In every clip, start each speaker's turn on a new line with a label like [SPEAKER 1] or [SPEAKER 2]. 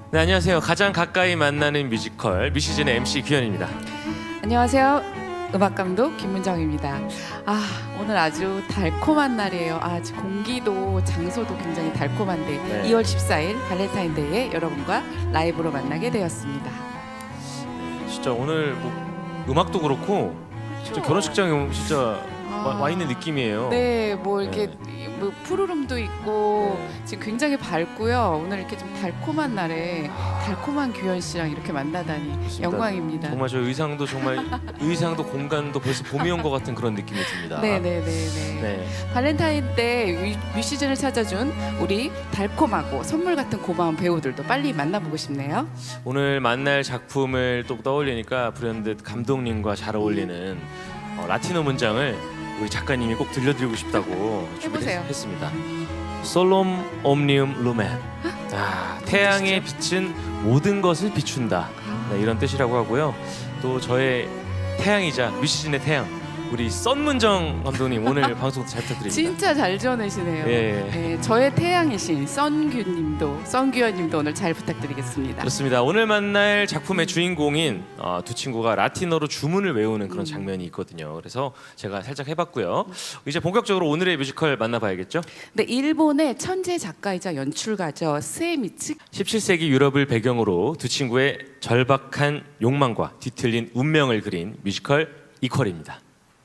[SPEAKER 1] 네, 안녕하세요. 가장 가까이 만나는 뮤지컬 미시즌의 MC 규현입니다.
[SPEAKER 2] 안녕하세요. 음악감독 김문정입니다. 오늘 아주 달콤한 날이에요. 지금 공기도 장소도 굉장히 달콤한데
[SPEAKER 1] 네.
[SPEAKER 2] 2월 14일 발렌타인데이에 여러분과 라이브로 만나게 되었습니다.
[SPEAKER 1] 진짜 오늘 뭐 음악도 그렇고 진짜 결혼식장에 오면 진짜 와 있는 느낌이에요.
[SPEAKER 2] 네, 뭐 이렇게
[SPEAKER 1] 네.
[SPEAKER 2] 뭐 푸르름도 있고
[SPEAKER 1] 네.
[SPEAKER 2] 지금 굉장히 밝고요. 오늘 이렇게 좀 달콤한 날에 달콤한 규현 씨랑 이렇게 만나다니
[SPEAKER 1] 그렇습니다.
[SPEAKER 2] 영광입니다.
[SPEAKER 1] 정말 저 의상도 정말 의상도 공간도 벌써 봄이 온 것 같은 그런 느낌이 듭니다.
[SPEAKER 2] 네네네네.
[SPEAKER 1] 네.
[SPEAKER 2] 발렌타인 때 뮤시즌을 찾아준 우리 달콤하고 선물 같은 고마운 배우들도 빨리 만나보고 싶네요.
[SPEAKER 1] 오늘 만날 작품을 또 떠올리니까 불현듯 감독님과 잘 어울리는 라티노 문장을 우리 작가님이 꼭 들려드리고 싶다고
[SPEAKER 2] 해보세요.
[SPEAKER 1] 준비했습니다. 솔롬 옴니움 루멘. 태양의 빛은 모든 것을 비춘다. 네, 이런 뜻이라고 하고요. 또 저의 태양이자 뮤시즌의 태양 우리 썬문정 감독님 오늘 방송 잘 부탁드립니다.
[SPEAKER 2] 진짜 잘 지어내시네요.
[SPEAKER 1] 예.
[SPEAKER 2] 네, 저의 태양이신 썬규현님도 오늘 잘 부탁드리겠습니다.
[SPEAKER 1] 그렇습니다. 오늘 만날 작품의 주인공인 두 친구가 라틴어로 주문을 외우는 그런 장면이 있거든요. 그래서 제가 살짝 해봤고요. 이제 본격적으로 오늘의 뮤지컬 만나봐야겠죠.
[SPEAKER 2] 네, 일본의 천재 작가이자 연출가죠. 스에미츠.
[SPEAKER 1] 17세기 유럽을 배경으로 두 친구의 절박한 욕망과 뒤틀린 운명을 그린 뮤지컬 이퀄입니다.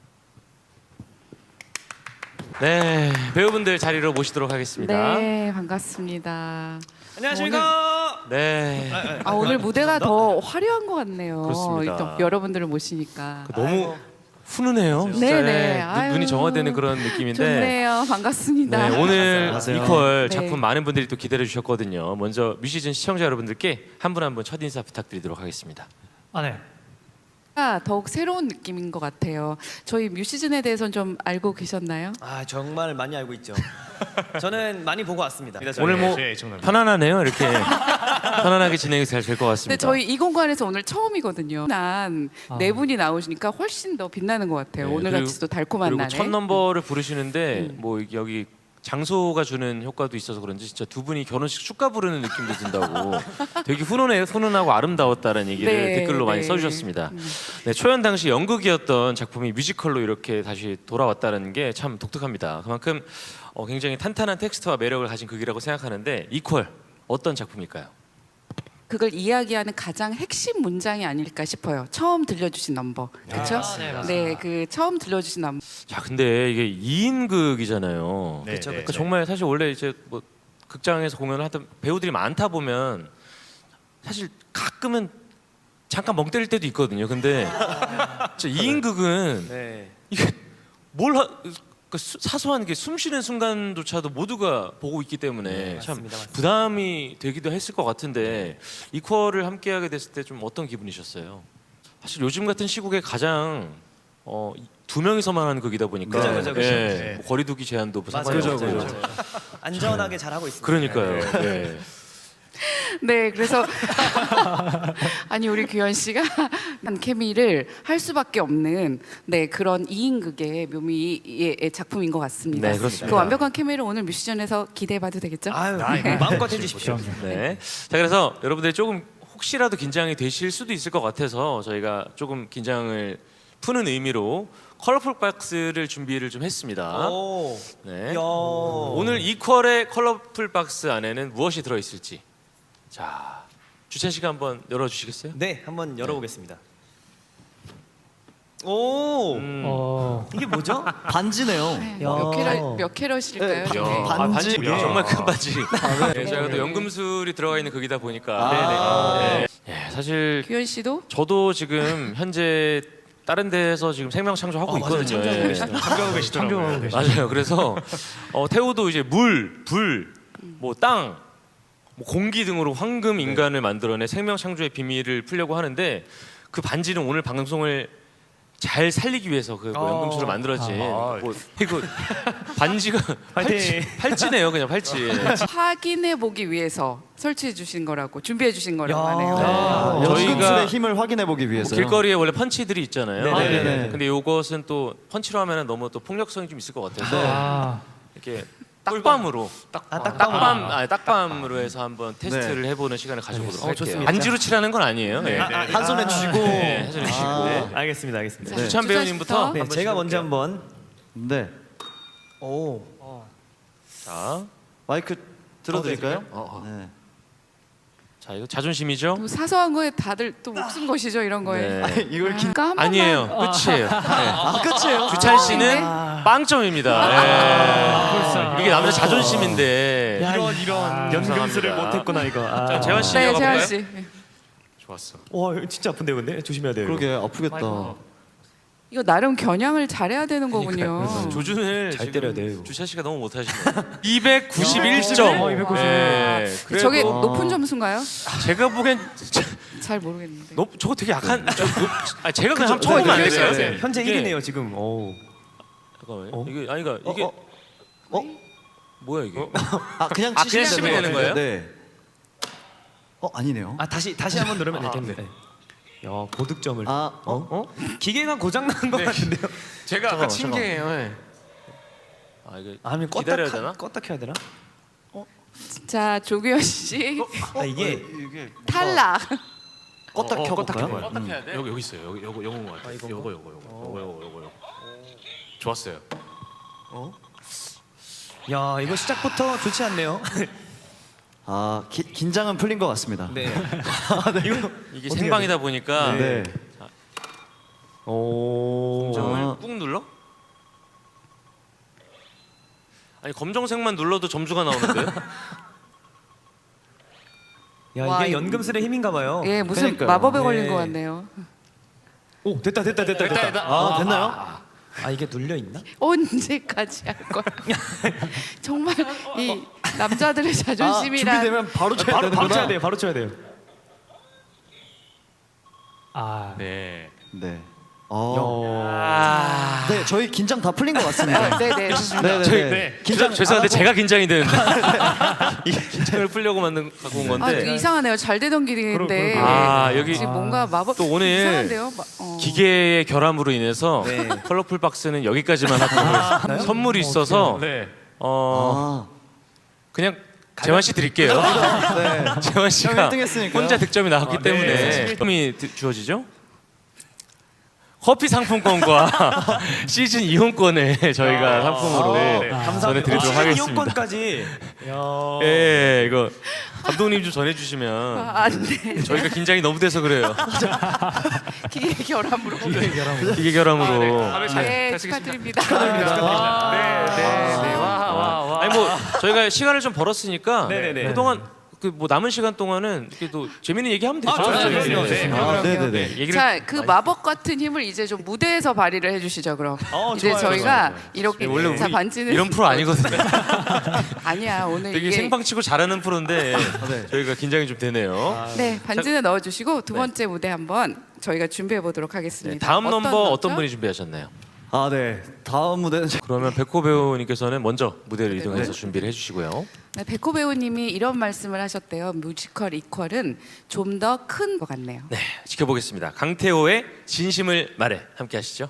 [SPEAKER 1] 네, 배우분들 자리로 모시도록 하겠습니다.
[SPEAKER 2] 네, 반갑습니다.
[SPEAKER 3] 안녕하십니까.
[SPEAKER 1] 네,
[SPEAKER 2] 오늘 무대가 더 화려한 것 같네요.
[SPEAKER 1] 그렇습니다.
[SPEAKER 2] 또 여러분들을 모시니까.
[SPEAKER 1] 너무 훈훈해요. 진짜.
[SPEAKER 2] 네네.
[SPEAKER 1] 네,
[SPEAKER 2] 아유,
[SPEAKER 1] 눈이 정화되는 그런 느낌인데.
[SPEAKER 2] 좋네요. 반갑습니다.
[SPEAKER 1] 네, 오늘
[SPEAKER 3] 안녕하세요.
[SPEAKER 1] 이퀄
[SPEAKER 2] 네.
[SPEAKER 1] 작품 많은 분들이 또 기다려 주셨거든요. 먼저 뮤시즌 시청자 여러분들께 한 분 한 분 첫 인사 부탁드리도록 하겠습니다.
[SPEAKER 3] 네.
[SPEAKER 2] 더욱 새로운 느낌인 것 같아요. 저희 뮤시즌에 대해서는 좀 알고 계셨나요?
[SPEAKER 3] 정말 많이 알고 있죠. 저는 많이 보고 왔습니다.
[SPEAKER 1] 오늘 뭐 편안하네요. 이렇게 편안하게 진행이 잘 될 것
[SPEAKER 2] 근데
[SPEAKER 1] 같습니다.
[SPEAKER 2] 저희 이 공간에서 오늘 처음이거든요. 난 네 분이 나오시니까 훨씬 더 빛나는 것 같아요.
[SPEAKER 1] 네,
[SPEAKER 2] 오늘
[SPEAKER 1] 그리고-
[SPEAKER 2] 같이 또 달콤한
[SPEAKER 1] 그리고
[SPEAKER 2] 날에.
[SPEAKER 1] 첫 넘버를 부르시는데 뭐 여기 장소가 주는 효과도 있어서 그런지 진짜 두 분이 결혼식 축가 부르는 느낌도 든다고 되게 훈훈하고 아름다웠다는 얘기를
[SPEAKER 2] 네,
[SPEAKER 1] 댓글로 많이
[SPEAKER 2] 네.
[SPEAKER 1] 써주셨습니다. 네, 초연 당시 연극이었던 작품이 뮤지컬로 이렇게 다시 돌아왔다는 게 참 독특합니다. 그만큼 굉장히 탄탄한 텍스트와 매력을 가진 극이라고 생각하는데 이퀄 어떤 작품일까요?
[SPEAKER 2] 그걸 이야기하는 가장 핵심 문장이 아닐까 싶어요. 처음 들려주신 넘버, 그렇죠?
[SPEAKER 3] 네, 맞습니다.
[SPEAKER 2] 네, 그 처음 들려주신 넘버.
[SPEAKER 1] 자, 근데 이게 2인극이잖아요.
[SPEAKER 3] 그렇죠.
[SPEAKER 1] 그러니까 정말 사실 원래 이제 뭐 극장에서 공연을 하던 배우들이 많다 보면 사실 가끔은 잠깐 멍 때릴 때도 있거든요. 근데 진짜 2인극은
[SPEAKER 3] 네.
[SPEAKER 1] 이게 사소한 게 숨 쉬는 순간조차도 모두가 보고 있기 때문에
[SPEAKER 3] 네,
[SPEAKER 1] 참
[SPEAKER 3] 맞습니다, 맞습니다.
[SPEAKER 1] 부담이 되기도 했을 것 같은데 이퀄을 함께하게 됐을 때 좀 어떤 기분이셨어요? 사실 요즘 같은 시국에 가장 두 명이서만 하는 극이다 보니까
[SPEAKER 3] 그죠.
[SPEAKER 1] 뭐 거리두기 제한도 뭐 상관이
[SPEAKER 3] 맞아요.
[SPEAKER 1] 없고
[SPEAKER 3] 맞아요. 안전하게 잘 하고 있습니다.
[SPEAKER 1] 그러니까요. 네.
[SPEAKER 2] 네, 그래서 아니 우리 규현 씨가 한 케미를 할 수밖에 없는 그런 2인극의 묘미의 작품인 것 같습니다.
[SPEAKER 1] 네, 그렇습니다.
[SPEAKER 2] 그 완벽한 케미를 오늘 뮤지션에서 기대해봐도 되겠죠?
[SPEAKER 3] 마음껏 해주십시오.
[SPEAKER 1] 네. 자, 그래서 여러분들이 조금 혹시라도 긴장이 되실 수도 있을 것 같아서 저희가 조금 긴장을 푸는 의미로 컬러풀 박스를 준비를 좀 했습니다.
[SPEAKER 3] 오.
[SPEAKER 1] 네.
[SPEAKER 3] 야.
[SPEAKER 1] 오늘 이퀄의 컬러풀 박스 안에는 무엇이 들어 있을지. 자, 주찬 씨가 한번 열어 주시겠어요?
[SPEAKER 3] 네, 한번 열어보겠습니다. 오. 이게 뭐죠?
[SPEAKER 4] 반지네요.
[SPEAKER 2] 몇 캐럿일까요?
[SPEAKER 3] 네,
[SPEAKER 1] 야,
[SPEAKER 4] 반지.
[SPEAKER 1] 반지 정말 큰 반지. 네, 저희가 또 연금술이 들어가 있는 극이다 보니까. 네. 네, 사실
[SPEAKER 2] 규현 씨도
[SPEAKER 1] 저도 지금 현재 다른 데에서 지금 생명 창조하고 있거든요. 예.
[SPEAKER 3] 참교하고 계시더라고요.
[SPEAKER 1] 맞아요. 그래서 태우도 이제 물, 불, 뭐 땅, 뭐 공기 등으로 황금 인간을 만들어내 생명 창조의 비밀을 풀려고 하는데 그 반지는 오늘 방송을 잘 살리기 위해서 그 뭐 연금술을 만들어진 뭐 이거 반지가 팔찌네요, 그냥 팔찌.
[SPEAKER 2] 확인해 보기 위해서 설치해 주신 거라고 준비해 주신 거라고
[SPEAKER 3] 야.
[SPEAKER 2] 하네요.
[SPEAKER 1] 저희가
[SPEAKER 4] 연금술의 힘을 확인해 보기 위해서.
[SPEAKER 1] 길거리에 원래 펀치들이 있잖아요.
[SPEAKER 4] 네네네.
[SPEAKER 1] 근데 이것은 또 펀치로 하면 너무 또 폭력성이 좀 있을 것 같아서 이렇게 딱밤으로 딱밤으로
[SPEAKER 3] 네.
[SPEAKER 1] 해서 한번 테스트를 해보는 시간을 가져보도록 할게요.
[SPEAKER 3] 좋습니다.
[SPEAKER 1] 반지로 치라는 건 아니에요. 네.
[SPEAKER 3] 한 손에 쥐고.
[SPEAKER 1] 네, 한 손에 쥐고.
[SPEAKER 3] 네, 알겠습니다, 알겠습니다.
[SPEAKER 2] 자,
[SPEAKER 1] 주찬
[SPEAKER 2] 주찬
[SPEAKER 1] 배우님부터
[SPEAKER 2] 씨부터.
[SPEAKER 3] 네,
[SPEAKER 1] 한번
[SPEAKER 3] 제가 먼저
[SPEAKER 1] 시작할게요.
[SPEAKER 3] 한번.
[SPEAKER 4] 네.
[SPEAKER 3] 오.
[SPEAKER 1] 자,
[SPEAKER 4] 마이크 들어드릴까요?
[SPEAKER 1] 네.
[SPEAKER 4] 네.
[SPEAKER 1] 자 이거 자존심이죠?
[SPEAKER 2] 또 사소한 거에 다들 또 목숨 거시죠 이런 거에.
[SPEAKER 1] 네.
[SPEAKER 4] 이걸
[SPEAKER 2] 그러니까 한 번만.
[SPEAKER 1] 아니에요. 끝이에요. 네.
[SPEAKER 4] 끝이에요.
[SPEAKER 1] 주찬 씨는
[SPEAKER 2] 아,
[SPEAKER 1] 빵점입니다. 네. 이게 남자 자존심인데.
[SPEAKER 3] 이런 연금술을
[SPEAKER 1] 이상합니다.
[SPEAKER 3] 못했구나 이거. 아.
[SPEAKER 1] 자, 재환 씨
[SPEAKER 2] 네,
[SPEAKER 1] 이어가
[SPEAKER 2] 재환
[SPEAKER 1] 볼까요?
[SPEAKER 2] 씨.
[SPEAKER 1] 좋았어.
[SPEAKER 3] 와, 이거 진짜 아픈데요, 근데 조심해야 돼요. 이거.
[SPEAKER 4] 그러게 아프겠다.
[SPEAKER 2] 이거 나름 겨냥을 잘해야 되는 거군요.
[SPEAKER 1] 조준을
[SPEAKER 3] 잘
[SPEAKER 1] 지금
[SPEAKER 3] 때려야 돼요.
[SPEAKER 1] 주찬 씨가 너무 못하시네요. 291점.
[SPEAKER 3] 291.
[SPEAKER 1] 네.
[SPEAKER 2] 저게
[SPEAKER 1] 그래도
[SPEAKER 2] 높은 점수인가요?
[SPEAKER 1] 제가 보기엔
[SPEAKER 2] 잘 모르겠는데.
[SPEAKER 1] 저거 되게 약한. 제가 그냥 한번 쳐보면 안 될까요?
[SPEAKER 3] 네, 현재
[SPEAKER 1] 이게-
[SPEAKER 3] 1위네요 지금. 오.
[SPEAKER 1] 잠깐만요. 이게 아니가 이게 뭐야 이게?
[SPEAKER 4] 그냥
[SPEAKER 1] 아,
[SPEAKER 4] 치시면
[SPEAKER 1] 그냥 치면 되는 거예요?
[SPEAKER 4] 네. 아니네요.
[SPEAKER 3] 아 다시 한번 누르면 되겠네.
[SPEAKER 1] 네.
[SPEAKER 3] 야 고득점을.
[SPEAKER 4] 아,
[SPEAKER 3] 기계가 고장 난 것 같은데요.
[SPEAKER 1] 제가
[SPEAKER 4] 잠깐만,
[SPEAKER 1] 친 게예요. 네. 아 이게
[SPEAKER 3] 아니면
[SPEAKER 1] 기다려야 되나?
[SPEAKER 3] 껐다 켜야 되나?
[SPEAKER 2] 자, 조규현 씨
[SPEAKER 3] 아 이게
[SPEAKER 4] 이게
[SPEAKER 2] 탈락.
[SPEAKER 4] 껐다 켜볼까요?
[SPEAKER 1] 껐다 켜야 돼? 여기 있어요. 요거 것 같아요. 요거. 좋았어요.
[SPEAKER 3] 야 이거 시작부터 좋지 않네요.
[SPEAKER 4] 아 긴장은 풀린 것 같습니다.
[SPEAKER 3] 네.
[SPEAKER 1] 이게
[SPEAKER 3] 어떻게
[SPEAKER 1] 생방이다 보니까
[SPEAKER 4] 네.
[SPEAKER 3] 오.
[SPEAKER 1] 검정을
[SPEAKER 4] 아.
[SPEAKER 1] 꾹 눌러? 아니 검정색만 눌러도 점수가 나오는데요?
[SPEAKER 3] 야
[SPEAKER 2] 와,
[SPEAKER 3] 이게
[SPEAKER 2] 이거-
[SPEAKER 3] 연금술의 힘인가 봐요.
[SPEAKER 2] 예, 무슨
[SPEAKER 4] 그러니까요.
[SPEAKER 2] 마법에 걸린
[SPEAKER 3] 네.
[SPEAKER 2] 것 같네요.
[SPEAKER 3] 오 됐다.
[SPEAKER 4] 아 됐나요?
[SPEAKER 3] 아 이게 눌려 있나?
[SPEAKER 2] 언제까지 할 거야? 정말 이 남자들의 자존심이란
[SPEAKER 4] 준비되면 바로 쳐야
[SPEAKER 3] 바로
[SPEAKER 4] 되는구나.
[SPEAKER 3] 쳐야 돼요. 바로 쳐야 돼요.
[SPEAKER 1] 네.
[SPEAKER 4] 네.
[SPEAKER 1] 아.
[SPEAKER 4] 네, 저희 긴장 다 풀린 것 같습니다.
[SPEAKER 2] 네네.
[SPEAKER 4] 네.
[SPEAKER 1] 죄송한데 제가 긴장이 되는데 이게 긴장을 풀려고 갖고 온
[SPEAKER 2] 아,
[SPEAKER 1] 건데
[SPEAKER 2] 이상하네요. 잘 되던 길인데
[SPEAKER 1] 아, 여기
[SPEAKER 2] 지금 뭔가 마법
[SPEAKER 1] 또 오늘
[SPEAKER 2] 이상한데요?
[SPEAKER 1] 기계의 결함으로 인해서
[SPEAKER 3] 네.
[SPEAKER 1] 컬러풀 박스는 여기까지만 하고 있어요. 선물이 있어서
[SPEAKER 3] 네.
[SPEAKER 4] 아,
[SPEAKER 1] 그냥 재환 씨 드릴게요.
[SPEAKER 4] 네.
[SPEAKER 1] 재환
[SPEAKER 4] 형
[SPEAKER 1] 씨가
[SPEAKER 4] 1등 했으니까요.
[SPEAKER 1] 혼자 득점이 나왔기 때문에 득점이 주어지죠. 커피 상품권과 시즌 이용권을 저희가 상품으로 전해드리도록 하겠습니다.
[SPEAKER 3] 이용권까지. 야.
[SPEAKER 1] 예, 이거 감독님 좀 전해주시면
[SPEAKER 2] 안 돼.
[SPEAKER 1] 저희가 긴장이 너무 돼서 그래요.
[SPEAKER 2] 기계 결함으로.
[SPEAKER 1] 기계 결함으로.
[SPEAKER 2] 네, 축하드립니다.
[SPEAKER 1] 아니 뭐 저희가 시간을 좀 벌었으니까
[SPEAKER 3] 네네네.
[SPEAKER 1] 그동안 그 뭐 남은 시간 동안은 이렇게 또 재밌는 얘기 하면 되죠.
[SPEAKER 3] 그럼요.
[SPEAKER 1] 네.
[SPEAKER 4] 아, 네네네.
[SPEAKER 1] 얘기를
[SPEAKER 2] 자, 그 마법 같은 힘을 이제 좀 무대에서 발휘를 해주시죠, 그럼. 이제
[SPEAKER 3] 좋아요,
[SPEAKER 2] 저희가 이렇게
[SPEAKER 1] 원래
[SPEAKER 2] 자
[SPEAKER 1] 우리
[SPEAKER 2] 반지는
[SPEAKER 1] 이런 프로 아니거든요.
[SPEAKER 2] 아니야 오늘
[SPEAKER 1] 되게
[SPEAKER 2] 이게
[SPEAKER 1] 생방치고 잘하는 프로인데 저희가 긴장이 좀 되네요.
[SPEAKER 2] 네 반지는 넣어주시고 두 번째 무대 한번 저희가 준비해 보도록
[SPEAKER 1] 네,
[SPEAKER 2] 하겠습니다.
[SPEAKER 1] 다음 넘버 어떤
[SPEAKER 2] 넘버죠?
[SPEAKER 1] 분이 준비하셨나요?
[SPEAKER 4] 아, 네. 다음 무대는
[SPEAKER 1] 그러면 백호 배우님께서는 먼저 무대를 이동해서 준비를 해주시고요.
[SPEAKER 2] 네, 백호 배우님이 이런 말씀을 하셨대요. 뮤지컬 이퀄은 좀 더 큰 것 같네요.
[SPEAKER 1] 네, 지켜보겠습니다. 강태호의 진심을 말해 함께 하시죠.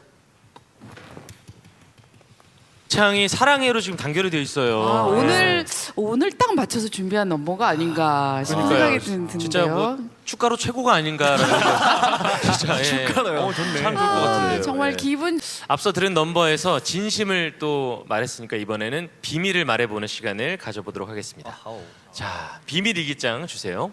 [SPEAKER 1] 창이 사랑해로 지금 단결이 되어 있어요.
[SPEAKER 2] 아, 오늘 딱 맞춰서 준비한 넘버가 아닌가 싶은 생각이 드는데요.
[SPEAKER 1] 진짜 뭐 축가로 최고가 아닌가라는 진짜 축가로요.
[SPEAKER 3] 좋네.
[SPEAKER 1] 참 좋을 것 같은데요.
[SPEAKER 2] 정말
[SPEAKER 1] 예.
[SPEAKER 2] 기분
[SPEAKER 1] 앞서 들은 넘버에서 진심을 또 말했으니까 이번에는 비밀을 말해보는 시간을 가져보도록 하겠습니다. 자, 비밀 일기장 주세요.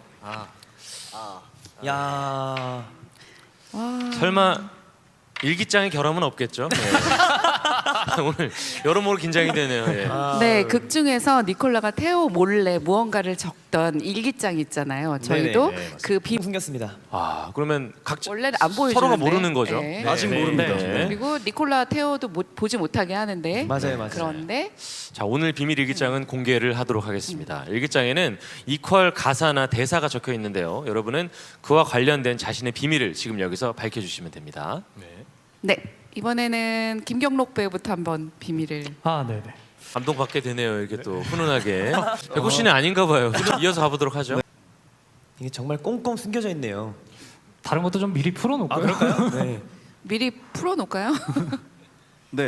[SPEAKER 3] 야.
[SPEAKER 1] 설마 일기장의 결함은 없겠죠? 예. 오늘 여러모로 긴장이 되네요. 예.
[SPEAKER 2] 네, 극 중에서 니콜라가 태호 몰래 무언가를 적던 일기장 있잖아요. 저희도
[SPEAKER 3] 네네,
[SPEAKER 2] 그
[SPEAKER 3] 숨겼습니다.
[SPEAKER 1] 아, 그러면 각자
[SPEAKER 2] 원래는 안 보여주는데
[SPEAKER 1] 서로가 모르는 거죠.
[SPEAKER 2] 네.
[SPEAKER 4] 아직
[SPEAKER 1] 네.
[SPEAKER 4] 모릅니다.
[SPEAKER 1] 네.
[SPEAKER 2] 그리고 니콜라 태호도 보지 못하게 하는데
[SPEAKER 3] 맞아요.
[SPEAKER 2] 그런데
[SPEAKER 1] 자, 오늘 비밀 일기장은 공개를 하도록 하겠습니다. 일기장에는 이퀄 가사나 대사가 적혀 있는데요. 여러분은 그와 관련된 자신의 비밀을 지금 여기서 밝혀주시면 됩니다.
[SPEAKER 2] 네 이번에는 김경록 배우부터 한번 비밀을
[SPEAKER 5] 네네.
[SPEAKER 1] 감동받게 되네요. 이렇게 또 훈훈하게. 백호 씨는 아닌가 봐요. 이어서 가보도록 하죠.
[SPEAKER 3] 이게 정말 꽁꽁 숨겨져 있네요.
[SPEAKER 5] 다른 것도 좀 미리 풀어놓을까요?
[SPEAKER 3] 그럴까요? 네.
[SPEAKER 2] 미리 풀어놓을까요?
[SPEAKER 4] 네.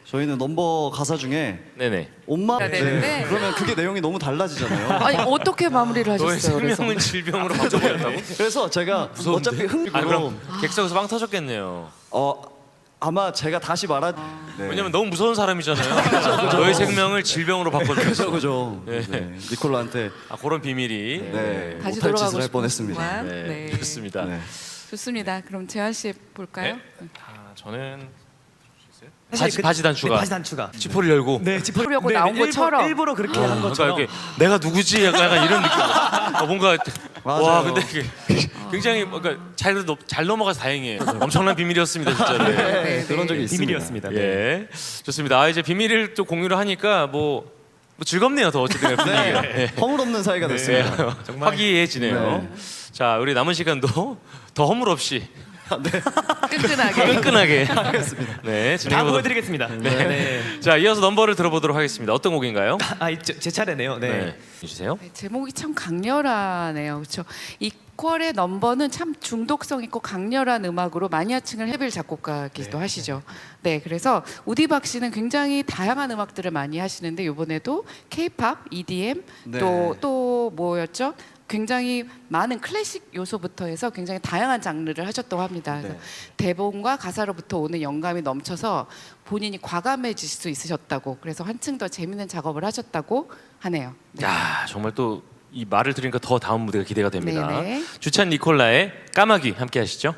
[SPEAKER 4] 저희는 넘버 가사 중에
[SPEAKER 1] 네네.
[SPEAKER 4] 엄마
[SPEAKER 2] 해야 되는데.
[SPEAKER 4] 그러면 그게 내용이 너무 달라지잖아요.
[SPEAKER 2] 아니 어떻게 마무리를
[SPEAKER 1] 너의
[SPEAKER 2] 하셨어요? 그래서?
[SPEAKER 1] 생명은 질병으로 바꿔버렸다고?
[SPEAKER 4] 그래서 제가 어차피
[SPEAKER 1] 아
[SPEAKER 4] 흥미로
[SPEAKER 1] 그럼 객석에서 빵 터졌겠네요.
[SPEAKER 4] 아마 제가 다시 네.
[SPEAKER 1] 왜냐면 너무 무서운 사람이잖아요. 너의 생명을 질병으로 바꿔줬어.
[SPEAKER 4] 그죠.
[SPEAKER 1] 네.
[SPEAKER 4] 네. 니콜라한테
[SPEAKER 1] 아 그런 비밀이.
[SPEAKER 4] 네.
[SPEAKER 2] 다시
[SPEAKER 4] 못할
[SPEAKER 2] 돌아가고
[SPEAKER 4] 짓을 할
[SPEAKER 2] 싶은
[SPEAKER 4] 뻔했습니다.
[SPEAKER 2] 순간.
[SPEAKER 1] 네.
[SPEAKER 2] 네.
[SPEAKER 1] 좋습니다.
[SPEAKER 4] 네.
[SPEAKER 2] 좋습니다. 그럼 재환 씨 볼까요?
[SPEAKER 1] 네. 저는
[SPEAKER 3] 사실
[SPEAKER 1] 바지 단추가.
[SPEAKER 3] 네, 바지 단추가.
[SPEAKER 1] 지퍼를 열고.
[SPEAKER 3] 네,
[SPEAKER 2] 짚으려고 나온 것처럼.
[SPEAKER 3] 일부러 그렇게 한
[SPEAKER 1] 그러니까
[SPEAKER 3] 것처럼.
[SPEAKER 1] 이렇게 내가 누구지 약간 이런 느낌. 뭔가
[SPEAKER 4] 맞아요.
[SPEAKER 1] 와 근데 이게 굉장히 뭔가 잘 넘어가서 다행이에요. 엄청난 비밀이었습니다 진짜로.
[SPEAKER 2] 네,
[SPEAKER 4] 그런 적이 있습니다.
[SPEAKER 3] 비밀이었습니다. 네.
[SPEAKER 1] 예, 좋습니다. 아 이제 비밀을 또 공유를 하니까 뭐 즐겁네요. 더 어쨌든 분위기가. 예.
[SPEAKER 4] 허물없는 사이가 됐습니다.
[SPEAKER 1] 화기애애지네요.
[SPEAKER 4] 네.
[SPEAKER 1] 자 우리 남은 시간도 더 허물 없이
[SPEAKER 2] 끈끈하게.
[SPEAKER 1] 끈끈하게
[SPEAKER 4] 알겠습니다.
[SPEAKER 1] 네
[SPEAKER 3] 다
[SPEAKER 1] 진행해보도록.
[SPEAKER 3] 보여드리겠습니다. 네.
[SPEAKER 1] 자 이어서 넘버를 들어보도록 하겠습니다. 어떤 곡인가요?
[SPEAKER 3] 제 차례네요. 네.
[SPEAKER 1] 주세요.
[SPEAKER 2] 네, 제목이 참 강렬하네요. 그렇죠. 이퀄의 넘버는 참 중독성 있고 강렬한 음악으로 마니아층을 헤빌 작곡가기도 하시죠. 네, 그래서 우디박 씨는 굉장히 다양한 음악들을 많이 하시는데 이번에도 K-팝, EDM
[SPEAKER 4] 네.
[SPEAKER 2] 또 뭐였죠? 굉장히 많은 클래식 요소부터 해서 굉장히 다양한 장르를 하셨다고 합니다. 그래서
[SPEAKER 4] 네.
[SPEAKER 2] 대본과 가사로부터 오는 영감이 넘쳐서 본인이 과감해질 수 있으셨다고, 그래서 한층 더 재밌는 작업을 하셨다고 하네요. 네.
[SPEAKER 1] 야 정말 또 이 말을 들으니까 더 다음 무대가 기대가 됩니다.
[SPEAKER 2] 네네.
[SPEAKER 1] 주찬 니콜라의 까마귀 함께 하시죠.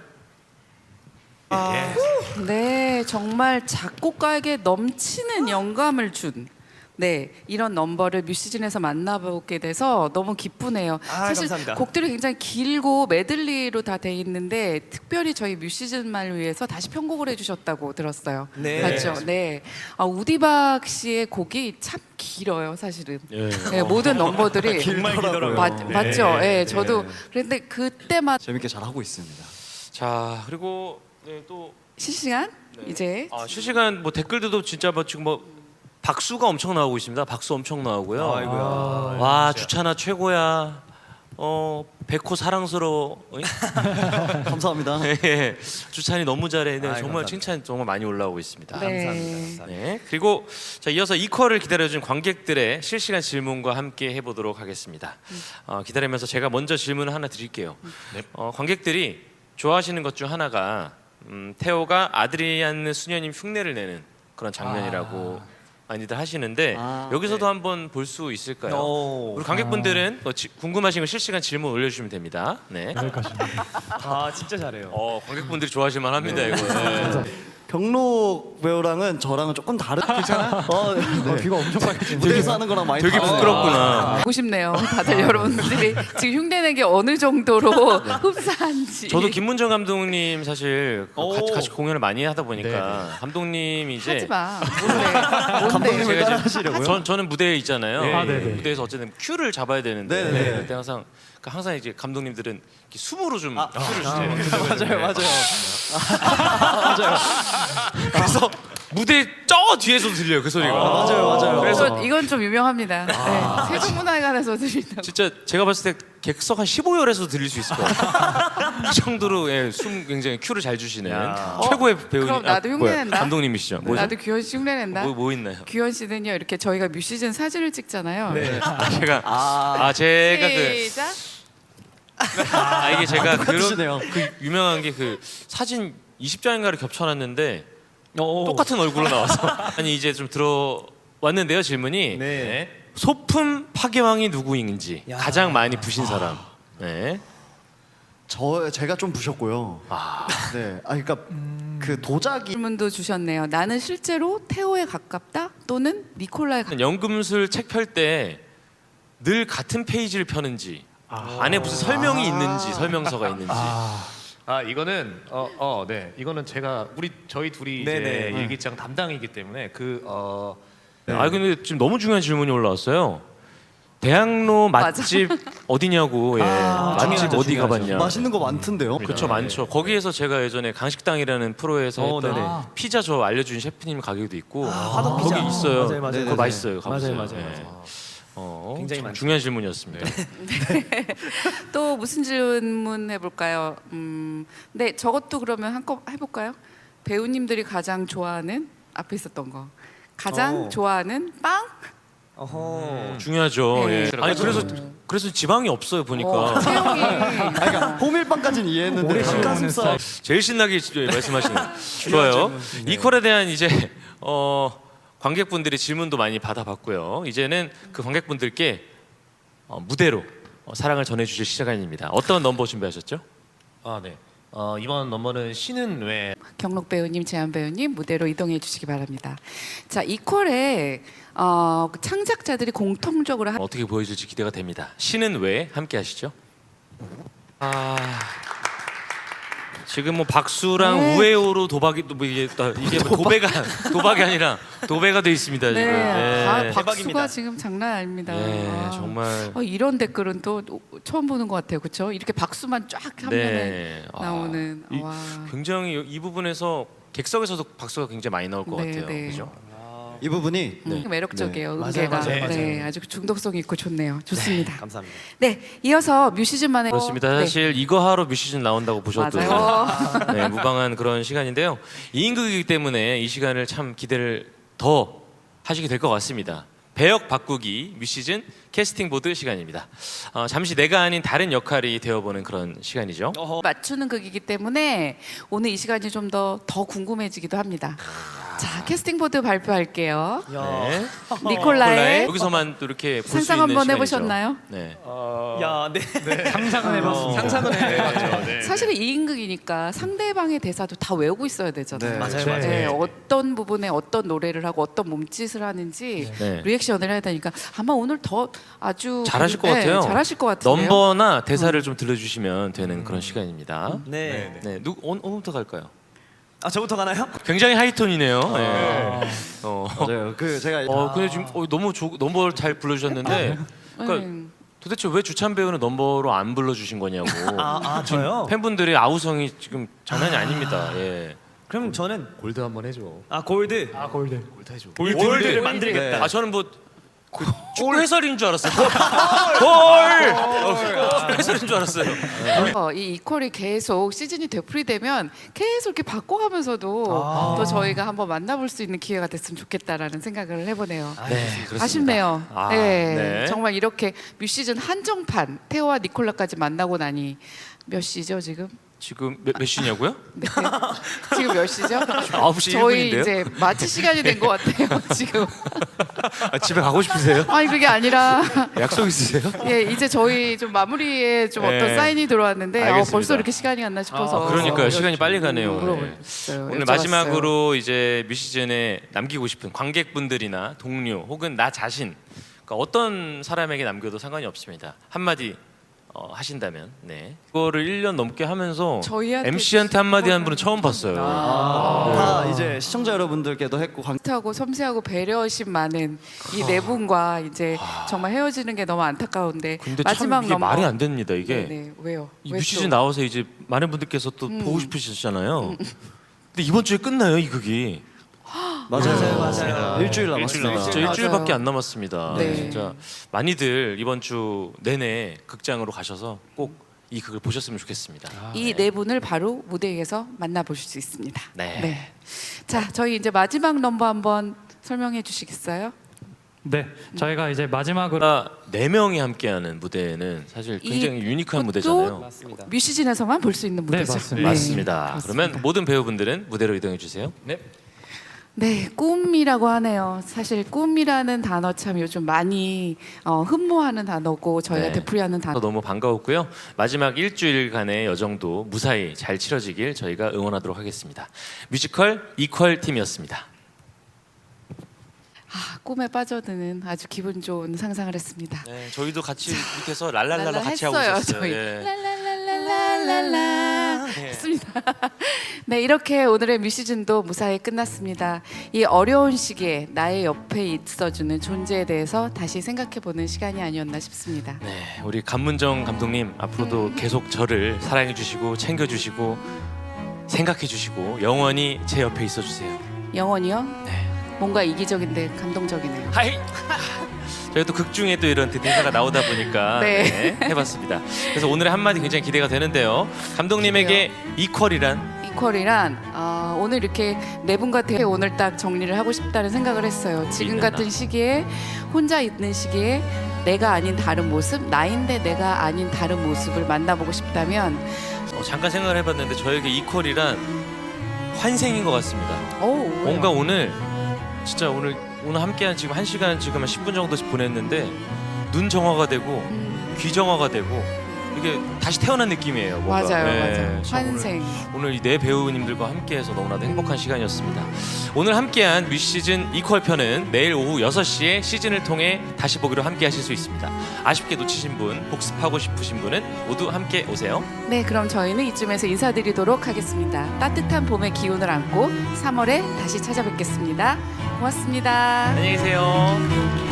[SPEAKER 2] 네, 정말 작곡가에게 넘치는 영감을 준 이런 넘버를 뮤시즌에서 만나보게 돼서 너무 기쁘네요.
[SPEAKER 3] 아,
[SPEAKER 2] 사실
[SPEAKER 3] 감사합니다.
[SPEAKER 2] 곡들이 굉장히 길고 메들리로 다 돼 있는데 특별히 저희 뮤시즌만을 위해서 다시 편곡을 해주셨다고 들었어요.
[SPEAKER 3] 네.
[SPEAKER 2] 맞죠? 네. 우디박 씨의 곡이 참 길어요, 사실은.
[SPEAKER 1] 예.
[SPEAKER 2] 네, 모든 넘버들이
[SPEAKER 3] 정말 길더라고요.
[SPEAKER 2] 맞죠? 예, 저도 그런데 그때마다
[SPEAKER 4] 재밌게 잘 하고 있습니다.
[SPEAKER 1] 자 그리고 또
[SPEAKER 2] 실시간 이제
[SPEAKER 1] 실시간 뭐 댓글들도 진짜 뭐 지금 뭐 박수가 엄청 나오고 있습니다. 박수 엄청 나오고요.
[SPEAKER 3] 아이고야.
[SPEAKER 1] 와 주찬아 최고야. 백호 사랑스러워.
[SPEAKER 4] 감사합니다.
[SPEAKER 1] 예. 주찬이 너무 잘해. 네,
[SPEAKER 3] 아이,
[SPEAKER 1] 정말
[SPEAKER 3] 감사합니다.
[SPEAKER 1] 칭찬 정말 많이 올라오고 있습니다.
[SPEAKER 2] 네.
[SPEAKER 3] 감사합니다.
[SPEAKER 1] 네. 그리고 자 이어서 이퀄을 기다려준 관객들의 실시간 질문과 함께 해보도록 하겠습니다. 기다리면서 제가 먼저 질문을 하나 드릴게요. 관객들이 좋아하시는 것 중 하나가 태호가 아드리안 수녀님 흉내를 내는 그런 장면이라고 많이들 하시는데 여기서도 한번 볼 수 있을까요?
[SPEAKER 3] 오.
[SPEAKER 1] 우리 관객분들은 궁금하신 거 실시간 질문 올려주시면 됩니다. 네.
[SPEAKER 3] 아 진짜 잘해요.
[SPEAKER 1] 관객분들이 좋아하실 만합니다 이거. 네.
[SPEAKER 4] 경록 배우랑은 저랑은 조금 다른. 괜찮아? 네.
[SPEAKER 5] 귀가 엄청 빨개지네.
[SPEAKER 4] 무대에서 하는 거랑 많이
[SPEAKER 1] 되게
[SPEAKER 4] 달라요.
[SPEAKER 1] 부끄럽구나.
[SPEAKER 2] 보고 싶네요. 다들 여러분들이 지금 흉내내기 어느 정도로 흡사한지.
[SPEAKER 1] 저도 김문정 감독님 사실
[SPEAKER 3] 오.
[SPEAKER 1] 같이 공연을 많이 하다 보니까 감독님이 이제
[SPEAKER 2] 하지 마. 뭔데?
[SPEAKER 4] 감독님을
[SPEAKER 1] 제가
[SPEAKER 4] 따라
[SPEAKER 1] 이제
[SPEAKER 4] 하시려고요?
[SPEAKER 1] 저는 무대에 있잖아요.
[SPEAKER 5] 아, 네네.
[SPEAKER 1] 무대에서 어쨌든 큐를 잡아야 되는데
[SPEAKER 4] 네네.
[SPEAKER 1] 그때 항상 이제 감독님들은 이렇게 숨으로 좀 큐를 주세요.
[SPEAKER 3] 맞아요.
[SPEAKER 1] 그래서 무대 저 뒤에서 들려요 그 소리가.
[SPEAKER 4] 맞아요.
[SPEAKER 1] 그래서
[SPEAKER 2] 이건 좀 유명합니다. 네. 세종문화회관에서 들린다고.
[SPEAKER 1] 진짜 제가 봤을 때 객석 한 15열에서 들릴 수 있을 것 같아요. 그 정도로 숨 굉장히 큐를 잘 주시는 최고의 배우님.
[SPEAKER 2] 그럼 나도 흉내 낸다.
[SPEAKER 1] 감독님이시죠. 뭐죠?
[SPEAKER 2] 나도 규현 씨 흉내낸다.
[SPEAKER 1] 뭐 있나요?
[SPEAKER 2] 규현 씨는요 이렇게 저희가 뮤시즌 사진을 찍잖아요.
[SPEAKER 1] 제가
[SPEAKER 2] 시작.
[SPEAKER 1] 이게 제가
[SPEAKER 4] 똑같으시네요.
[SPEAKER 1] 그 유명한 게 그 사진 20장인가를 겹쳐놨는데 똑같은 얼굴로 나와서 아니 이제 좀 들어왔는데요 질문이
[SPEAKER 3] 네.
[SPEAKER 1] 소품 파괴왕이 누구인지
[SPEAKER 3] 야.
[SPEAKER 1] 가장 많이 부신 사람. 네.
[SPEAKER 4] 제가 좀 부셨고요. 네. 그러니까 그 도자기
[SPEAKER 2] 질문도 주셨네요. 나는 실제로 태호에 가깝다 또는 니콜라에 가깝다.
[SPEAKER 1] 연금술 책 펼 때 늘 같은 페이지를 펴는지 안에 무슨 설명이 있는지 설명서가 있는지.
[SPEAKER 5] 이거는 네 이거는 저희 둘이
[SPEAKER 3] 네네.
[SPEAKER 5] 이제 일기장 담당이기 때문에
[SPEAKER 1] 근데 지금 너무 중요한 질문이 올라왔어요. 대학로 맛집 어디냐고. 맛집
[SPEAKER 3] 중요하죠,
[SPEAKER 1] 어디
[SPEAKER 3] 중요하죠.
[SPEAKER 1] 가봤냐.
[SPEAKER 4] 맛있는 거 많던데요.
[SPEAKER 1] 그렇죠, 많죠. 거기에서 제가 예전에 간식당이라는 프로에서 했던
[SPEAKER 3] 네네.
[SPEAKER 1] 피자 저 알려준 셰프님 가게도 있고
[SPEAKER 3] 화덕
[SPEAKER 1] 거기
[SPEAKER 3] 피자.
[SPEAKER 1] 있어요.
[SPEAKER 3] 맞아요.
[SPEAKER 1] 그거
[SPEAKER 4] 네네네.
[SPEAKER 1] 맛있어요. 가보세요.
[SPEAKER 3] 맞아요.
[SPEAKER 1] 네.
[SPEAKER 3] 굉장히
[SPEAKER 1] 참
[SPEAKER 3] 많죠.
[SPEAKER 1] 중요한 질문이었습니다.
[SPEAKER 2] 또 무슨 질문 해볼까요? 네, 저것도 그러면 한껏 해볼까요? 배우님들이 가장 좋아하는 앞에 있었던 거. 가장
[SPEAKER 3] 오.
[SPEAKER 2] 좋아하는 빵?
[SPEAKER 3] 어허.
[SPEAKER 1] 중요하죠.
[SPEAKER 2] 네.
[SPEAKER 1] 예. 아니 그래서 지방이 없어요 보니까.
[SPEAKER 2] 채영이.
[SPEAKER 4] 그러니까 호밀빵까지는 이해했는데 닭가슴살
[SPEAKER 1] 제일 신나게 말씀하시는. 좋아요. 이퀄에 대한 이제 관객분들의 질문도 많이 받아봤고요. 이제는 그 관객분들께 무대로 사랑을 전해주실 시간입니다. 어떤 넘버 준비하셨죠?
[SPEAKER 5] 아 네. 이번 넘버는 신은 왜
[SPEAKER 2] 경록 배우님, 재한 배우님 무대로 이동해 주시기 바랍니다. 자, 이퀄에 창작자들이 공통적으로
[SPEAKER 1] 어떻게 보여줄지 기대가 됩니다. 신은 왜 함께 하시죠? 지금 뭐 박수랑
[SPEAKER 2] 네.
[SPEAKER 1] 우에오로 도박이 뭐 이게 뭐 도박이 아니라 도배가 돼 있습니다 지금.
[SPEAKER 2] 네, 박수가
[SPEAKER 3] 대박입니다.
[SPEAKER 2] 지금 장난 아닙니다.
[SPEAKER 1] 네,
[SPEAKER 2] 아.
[SPEAKER 1] 정말.
[SPEAKER 2] 이런 댓글은 또 처음 보는 것 같아요, 그렇죠? 이렇게 박수만 쫙 화면에
[SPEAKER 1] 네.
[SPEAKER 2] 나오는. 와.
[SPEAKER 1] 굉장히 이 부분에서 객석에서도 박수가 굉장히 많이 나올 것
[SPEAKER 2] 네,
[SPEAKER 1] 같아요.
[SPEAKER 2] 네.
[SPEAKER 1] 그죠?
[SPEAKER 4] 이 부분이
[SPEAKER 2] 매력적이에요.
[SPEAKER 3] 맞아요,
[SPEAKER 2] 음계가.
[SPEAKER 3] 맞아요,
[SPEAKER 2] 네,
[SPEAKER 3] 맞아요.
[SPEAKER 2] 아주 중독성 있고 좋네요. 좋습니다.
[SPEAKER 3] 감사합니다.
[SPEAKER 2] 네, 이어서 뮤시즌만의
[SPEAKER 1] 그렇습니다.
[SPEAKER 2] 네.
[SPEAKER 1] 사실 이거 하러 뮤시즌 나온다고 보셔도
[SPEAKER 2] 맞아요.
[SPEAKER 1] 네, 무방한 그런 시간인데요. 2인극이기 때문에 이 시간을 참 기대를 더 하시게 될 것 같습니다. 배역 바꾸기 뮤시즌 캐스팅 보드 시간입니다. 잠시 내가 아닌 다른 역할이 되어보는 그런 시간이죠.
[SPEAKER 2] 맞추는 극이기 때문에 오늘 이 시간이 좀 더 궁금해지기도 합니다. 자, 캐스팅 보드 발표할게요.
[SPEAKER 1] 네.
[SPEAKER 2] 니콜라의
[SPEAKER 1] 여기서만 또 이렇게 볼 수
[SPEAKER 2] 상상
[SPEAKER 1] 있는
[SPEAKER 2] 한번
[SPEAKER 1] 시간이죠.
[SPEAKER 2] 해보셨나요?
[SPEAKER 1] 네.
[SPEAKER 3] 야, 네.
[SPEAKER 5] 상상은 해봤습니다. 상상은 해봤죠. 네.
[SPEAKER 2] 사실은 2인극이니까 상대방의 대사도 다 외우고 있어야 되잖아요.
[SPEAKER 4] 네.
[SPEAKER 3] 맞아요,
[SPEAKER 5] 네.
[SPEAKER 3] 맞아요.
[SPEAKER 2] 네, 어떤 부분에 어떤 노래를 하고 어떤 몸짓을 하는지
[SPEAKER 1] 네.
[SPEAKER 2] 리액션을 해야 되니까 아마 오늘 더 아주
[SPEAKER 1] 잘하실 것
[SPEAKER 2] 네,
[SPEAKER 1] 같아요.
[SPEAKER 2] 잘하실 것 같은데요.
[SPEAKER 1] 넘버나 대사를 좀 들려주시면 되는 그런 시간입니다.
[SPEAKER 3] 네.
[SPEAKER 1] 네, 어느부터 갈까요?
[SPEAKER 3] 저부터 가나요?
[SPEAKER 1] 굉장히 하이톤이네요. 네.
[SPEAKER 4] 맞아요. 그 제가
[SPEAKER 1] 근데 지금 너무 넘버 잘 불러주셨는데, 그러니까 도대체 왜 주찬 배우는 넘버로 안 불러주신 거냐고.
[SPEAKER 3] 저요?
[SPEAKER 1] 팬분들의 아우성이 지금 장난이 아닙니다. 예.
[SPEAKER 3] 그럼 저는
[SPEAKER 5] 골드 한번 해줘.
[SPEAKER 3] 골드.
[SPEAKER 5] 골드 해줘.
[SPEAKER 3] 골드를 만들겠다.
[SPEAKER 1] 저는 뭐 축구 해설인 줄 알았어요. 골! 해설인 줄 알았어요.
[SPEAKER 2] 이 이퀄이 계속 시즌이 되풀이되면 계속 이렇게 바꿔가면서도 또 저희가 한번 만나볼 수 있는 기회가 됐으면 좋겠다라는 생각을 해보네요.
[SPEAKER 1] 네, 그렇습니다.
[SPEAKER 2] 아쉽네요.
[SPEAKER 1] 아,
[SPEAKER 2] 네,
[SPEAKER 1] 네.
[SPEAKER 2] 정말 이렇게 뮤시즌 한정판 태호와 니콜라까지 만나고 나니 몇 시죠 지금?
[SPEAKER 1] 지금 몇 시냐고요?
[SPEAKER 2] 네. 지금 몇 시죠?
[SPEAKER 1] 9시
[SPEAKER 2] 저희
[SPEAKER 1] 1분인데요?
[SPEAKER 2] 이제 마치 시간이 된 것 같아요 지금.
[SPEAKER 1] 집에 가고 싶으세요?
[SPEAKER 2] 아니 그게 아니라
[SPEAKER 1] 약속 있으세요?
[SPEAKER 2] 예 이제 저희 좀 마무리에 좀
[SPEAKER 1] 네.
[SPEAKER 2] 어떤 사인이 들어왔는데
[SPEAKER 1] 알겠습니다.
[SPEAKER 2] 벌써 이렇게 시간이 갔나 싶어서.
[SPEAKER 1] 그러니까요. 시간이 빨리 가네요. 네.
[SPEAKER 2] 물어봤어요.
[SPEAKER 1] 오늘
[SPEAKER 2] 여쭤봤어요.
[SPEAKER 1] 마지막으로 이제 뮤시즌에 남기고 싶은 관객분들이나 동료 혹은 나 자신, 그러니까 어떤 사람에게 남겨도 상관이 없습니다. 한마디 하신다면, 네. 이거를 1년 넘게 하면서
[SPEAKER 2] 저희한테
[SPEAKER 1] MC한테 한마디 한 분은 처음 봤어요.
[SPEAKER 4] 다 이제 시청자 여러분들께도 했고
[SPEAKER 2] 하고 섬세하고 배려심 많은 이 네 분과 이제 정말 헤어지는 게 너무 안타까운데
[SPEAKER 1] 근데
[SPEAKER 2] 마지막
[SPEAKER 1] 참 이게
[SPEAKER 2] 넘버.
[SPEAKER 1] 말이 안 됩니다. 이게
[SPEAKER 2] 네, 왜요?
[SPEAKER 1] 이
[SPEAKER 2] 왜
[SPEAKER 1] 뮤시즌
[SPEAKER 2] 또?
[SPEAKER 1] 나와서 이제 많은 분들께서 또 보고 싶으시잖아요. 근데 이번 주에 끝나요 이 극이.
[SPEAKER 4] 맞아요. 일주일 남았습니다.
[SPEAKER 1] 진짜
[SPEAKER 2] 맞아요.
[SPEAKER 1] 일주일밖에 안 남았습니다.
[SPEAKER 2] 네.
[SPEAKER 1] 진짜 많이들 이번 주 내내 극장으로 가셔서 꼭 이 극을 보셨으면 좋겠습니다.
[SPEAKER 2] 이 네 분을 바로 무대 위에서 만나보실 수 있습니다.
[SPEAKER 1] 네.
[SPEAKER 2] 자, 저희 이제 마지막 넘버 한번 설명해 주시겠어요?
[SPEAKER 6] 네, 저희가 이제 마지막으로
[SPEAKER 1] 네 명이 함께하는 무대는 사실 굉장히 유니크한
[SPEAKER 2] 이것도
[SPEAKER 1] 무대잖아요.
[SPEAKER 3] 맞습니다.
[SPEAKER 2] 뮤시즌에서만 볼 수 있는
[SPEAKER 6] 네,
[SPEAKER 2] 무대죠.
[SPEAKER 6] 맞습니다.
[SPEAKER 1] 맞습니다.
[SPEAKER 2] 그렇습니다.
[SPEAKER 1] 그러면 모든 배우분들은 무대로 이동해 주세요. 네.
[SPEAKER 2] 네, 꿈이라고 하네요. 사실 꿈이라는 단어 참 요즘 많이 흠모하는 단어고 저희가
[SPEAKER 1] 네.
[SPEAKER 2] 되풀이하는 단어.
[SPEAKER 1] 너무 반가웠고요. 마지막 일주일간의 여정도 무사히 잘 치러지길 저희가 응원하도록 하겠습니다. 뮤지컬 이퀄 팀이었습니다.
[SPEAKER 2] 꿈에 빠져드는 아주 기분 좋은 상상을 했습니다.
[SPEAKER 1] 네, 저희도 같이 밑에서 랄랄랄라 같이 하고
[SPEAKER 2] 했어요,
[SPEAKER 1] 있었어요.
[SPEAKER 2] 저희.
[SPEAKER 1] 예.
[SPEAKER 2] 랄랄랄랄랄라 했습니다. 네, 이렇게 오늘의 뮤시즌도 무사히 끝났습니다. 이 어려운 시기에 나의 옆에 있어주는 존재에 대해서 다시 생각해보는 시간이 아니었나 싶습니다.
[SPEAKER 1] 네, 우리 감문정 감독님 앞으로도 계속 저를 사랑해 주시고 챙겨 주시고 생각해 주시고 영원히 제 옆에 있어 주세요.
[SPEAKER 2] 영원히요?
[SPEAKER 1] 네.
[SPEAKER 2] 뭔가 이기적인데 감동적이네요.
[SPEAKER 1] 하이. 저희가 또 극 중에 또 이런 대사가 나오다 보니까
[SPEAKER 2] 네.
[SPEAKER 1] 네, 해봤습니다. 그래서 오늘의 한마디 굉장히 기대가 되는데요. 감독님에게 이퀄이란
[SPEAKER 2] 이퀄이란 오늘 이렇게 네 분과 대회 오늘 딱 정리를 하고 싶다는 생각을 했어요. 지금 같은 시기에 혼자 있는 시기에 내가 아닌 다른 모습, 나인데 내가 아닌 다른 모습을 만나보고 싶다면
[SPEAKER 1] 잠깐 생각을 해봤는데 저에게 이퀄이란 환생인 것 같습니다. 뭔가 오늘 진짜 오늘 함께한 지금 1시간 지금 한 10분 정도씩 보냈는데 눈 정화가 되고 귀 정화가 되고 이게 다시 태어난 느낌이에요. 뭔가.
[SPEAKER 2] 맞아요,
[SPEAKER 1] 네,
[SPEAKER 2] 맞아요.
[SPEAKER 1] 참
[SPEAKER 2] 환생.
[SPEAKER 1] 오늘 이 네 배우님들과 함께해서 너무나도 행복한 시간이었습니다. 오늘 함께한 뮤시즌 이퀄 편은 내일 오후 6시에 시즌을 통해 다시 보기로 함께하실 수 있습니다. 아쉽게 놓치신 분, 복습하고 싶으신 분은 모두 함께 오세요.
[SPEAKER 2] 네, 그럼 저희는 이쯤에서 인사드리도록 하겠습니다. 따뜻한 봄의 기운을 안고 3월에 다시 찾아뵙겠습니다. 고맙습니다.
[SPEAKER 1] 안녕히 계세요.